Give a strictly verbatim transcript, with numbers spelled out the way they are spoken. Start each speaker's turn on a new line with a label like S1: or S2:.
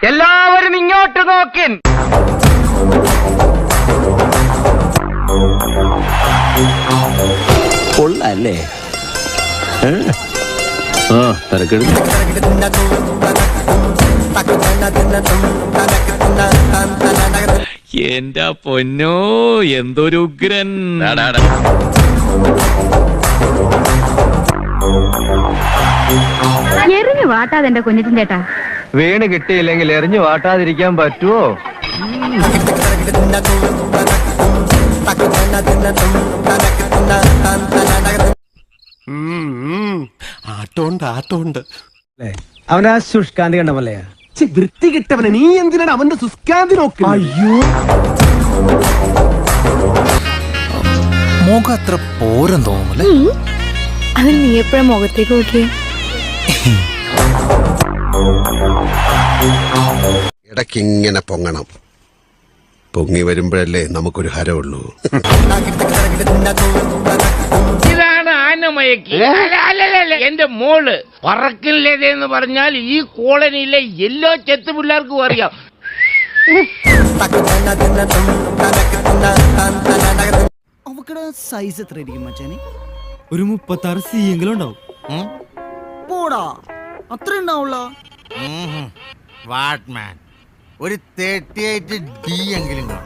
S1: എല്ലാവരും ഇങ്ങോട്ട് നോക്കിൻ.
S2: കൊള്ളല്ലേ? ആ തിരക്കെടു.
S3: എന്റെ പൊന്നോ, എന്തൊരു ഉഗ്രൻ.
S4: എറിഞ്ഞു വാട്ടാതെ എന്റെ കുഞ്ഞിറ്റിൻ ചേട്ടാ.
S1: വീണ് കിട്ടിയില്ലെങ്കിൽ എറിഞ്ഞു വാട്ടാതിരിക്കാൻ പറ്റുമോ?
S5: ആട്ടോണ്ട് ആട്ടോണ്ട്
S6: അവനാ ശുഷ്കാന്തി കണ്ടമല്ലേ?
S5: വൃത്തി കിട്ടവനെ നീ എന്തിനാണ് അവന്റെ സുസ്കാന്തി നോക്കുക?
S6: അയ്യോ,
S7: മുഖം അത്ര പോരം തോന്നുമല്ലേ?
S4: അതിന് നീ എപ്പോഴും മുഖത്തേക്ക് നോക്കിയേ.
S5: ഇടയ്ക്കിങ്ങനെ പൊങ്ങണം. പൊങ്ങി വരുമ്പോഴല്ലേ നമുക്കൊരു ഹരമുള്ളൂ.
S8: ഇതാണ് ആനമയക്ക്. എന്റെ മോള് പറക്കില്ലെന്ന് പറഞ്ഞാൽ ഈ കോളനിയിലെ എല്ലാ ചെത്തു പിള്ളേർക്കും അറിയാം.
S6: അവക്കടെ സൈസ് എത്ര ആയിരിക്കും മച്ചാനെ?
S7: ഒരു മുപ്പത്തി ആറ് സി എങ്കിലും ഉണ്ടാവും.
S6: പോടാ, അത്ര ഉണ്ടാവുള്ള.
S7: വാട്ട്മാൻ ഒരു തേർട്ടി എയ്റ്റ് ഡി എങ്കിലും കാണും.